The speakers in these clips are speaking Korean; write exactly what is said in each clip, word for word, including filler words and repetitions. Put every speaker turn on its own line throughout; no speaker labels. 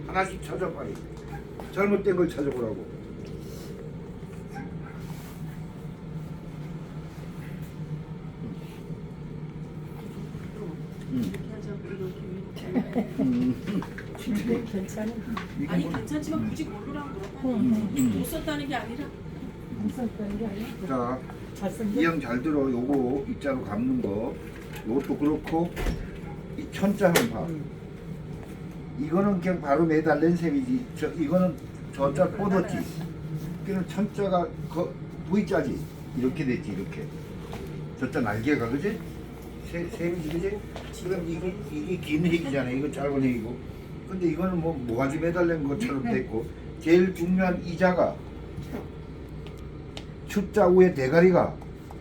하나씩 찾아 빨리. 잘못된 걸 찾아보라고.
괜찮아.
아니 괜찮지만 굳이 고르라고 그러고
음.
못 썼다는 게 아니라
무섭다는 게 아니야.
자,
잘생겨.
이 형 잘 들어. 요거 입자로 감는 거. 요것도 그렇고 이 천자 한번 봐. 이거는 그냥 바로 매달린 셈이지. 저 이거는 저자 뻗었지. 그는 천자가 거 V자지. 이렇게 됐지 이렇게. 저자 날개가 그지? 세, 셈이지 그지? 그럼 이게 이게 긴 핵이잖아. 이거 짧은 핵이고. 근데 이거는 뭐 모가지 매달린 것처럼 됐고 제일 중요한 이자가 축자 위에 대가리가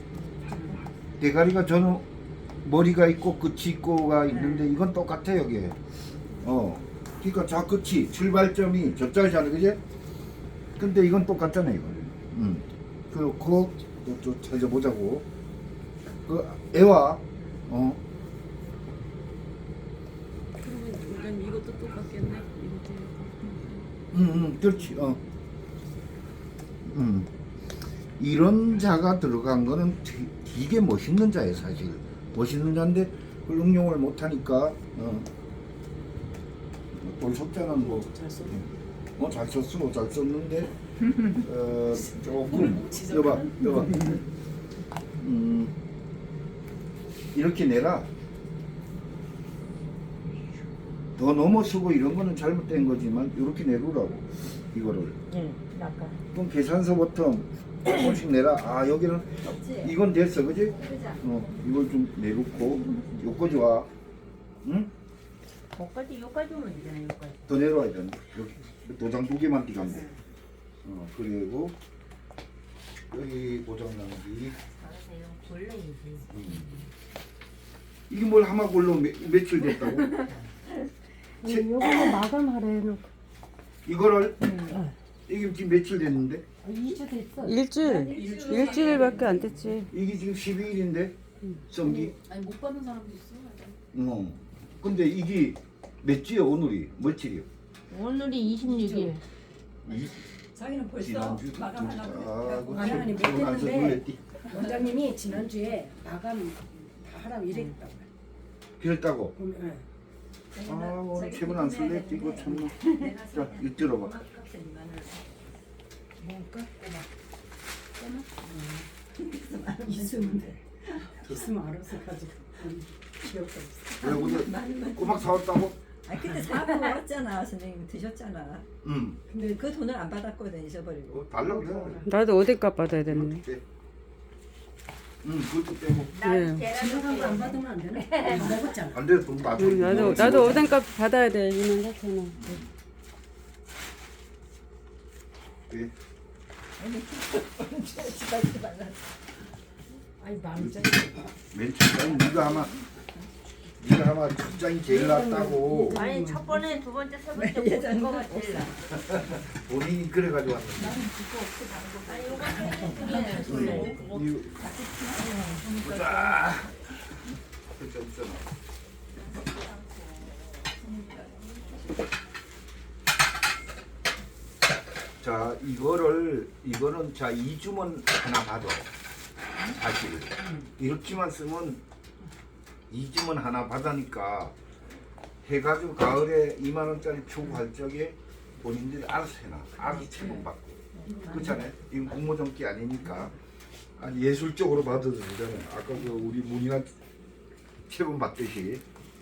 대가리가 저는 머리가 있고 끝이 있고가 있는데 이건 똑같아 여기에. 어. 그러니까 자 끝이 출발점이 저자잖아 그지? 근데 이건 똑같잖아 이거. 음. 그렇고 또, 또 찾아보자고. 그 애와 어.
그러면 이건 이것도 똑같겠네. 이것도
음, 음, 그렇지. 어. 음. 이런 자가 들어간 거는 되- 되게 멋있는 자예요, 사실. 멋있는 자인데 그걸 응용을 못 하니까 어. 또 석자는 뭐
잘 썼네.
어, 잘 썼어, 잘 썼는데 어, 조금 여봐, 여봐. 음. 이렇게 내라. 더 넘어서고 이런 거는 잘못된 거지만 이렇게 내놓으라고 이거를.
응, 아까.
그럼 계산서부터 조금씩 내라. 아 여기는 이건 됐어, 그지? 어 이걸 좀 내놓고 요거지 와. 응?
여기까지, 여기까지 오면 되잖아, 여기까지.
더 내려와야 돼. 여기 도장 두 개만 띄가면 돼. 어 그리고 여기 고장난기.
알았어요. 골라야지.
음. 이게 뭘 하마골로 매, 며칠 됐다고? 제-
요거는 마감하래 해놓고.
이거를
응.
이게 지금 며칠 됐는데?
이 주 됐어.
일주일 일주일밖에 안 됐지.
이게 지금 십이 일인데 성기.
아니 못 받은 사람도 있어.
어. 근데 이게 몇 주야 오늘이? 며칠이요?
오늘이 이십육 일.
이
자기는 벌써
지난주
마감하려고
아, 그
마감하니 못
최근 안서
했는데
놀랬디.
원장님이 지난주에 마감 다 하라고 이랬다고
그랬다고.
보면 예.
아 오늘 최근 안 설렜지 이거 참나. 자 이거 들어봐.
뭔가 꼬마 있으면 돼 있으면 알아서 가지고 기억도 없어
왜 오늘 꼬막 사왔다고?
아 그때 사고 왔잖아 선생님 드셨잖아.
응.
근데 그 돈을 안 받았거든 잊어버리고.
어, 달라고 그래.
나도 어디값 받아야 되는데.
이렇게. 응 그것도 빼고.
네.
지나간 거안 받으면 안 되나? 다 먹었잖아
안 돼, 돈 맞춰.
응, 나도 나도 오뎅값 받아야 돼. 이만 사천 원.
예.
지발지 말라.
아니 만원짜리
맨 첫장이 네가 아마 네가 아마 첫 장이 제일 낫다고
아니, 첫 번에, 두 번째, 세 번째 본 거가 제일 나.
본인이 그래가지고 왔는데.
아니, 요거 중에
응. 이거 보자. 그렇게 없잖아. 자 이거를 이거는 자 이 주만 하나 받아. 사실 이렇게만 쓰면 이 주만 하나 받으니까 해가지고 가을에 이만 원짜리 초구할 적에 본인들이 알아서 해놔. 아기 체분 받고. 그렇잖아요. 이건 공모전기 아니니까 아니 예술적으로 받아도 되잖아요. 아까 그 우리 문이나 체분 받듯이.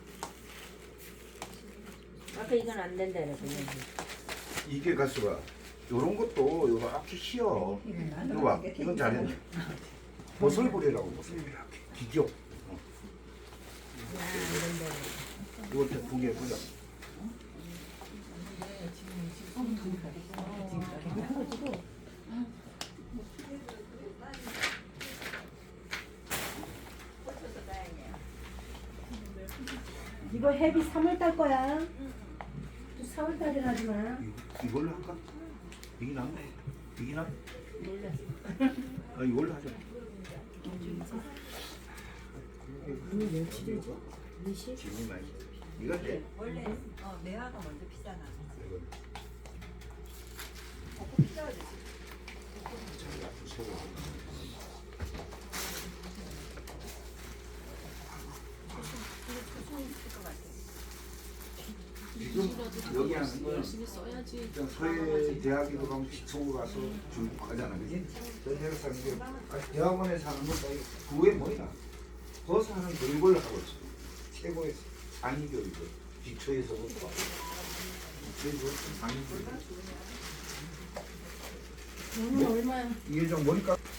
아까 이건 안 된다 그랬거
이게 가수가 요런 것도 요거 앞이 쉬어. 이거 봐. 이건 잘했네. 모슬부리라고 모슬부리. 기교. 어. 이거 두개 보자.
이거 해비 삼월 달 거야 또 사월 달에 하지 마
이- 이걸로 할까? 이게 낫네. 이게 낫. 아 이걸로 하자.
오늘 며칠이지? 이십?
지금 많이. 이거 돼.
원래 어 매화가 먼저 피잖아.
이거 지금 여기 하는 건
열심히 써야지.
그냥 서해 대학에도 가면 기초고 가서 중국하잖아, 그지? 저 내가 사는 게 아, 대학원에서 하는 것도 아니고 그게 뭐야? 거기서 하는 교육을 하고 있어. 최고의 상위 교육을 기초에서부터 기초에서부터 상위 교육.
너는 얼마야?
이게 좀 머리값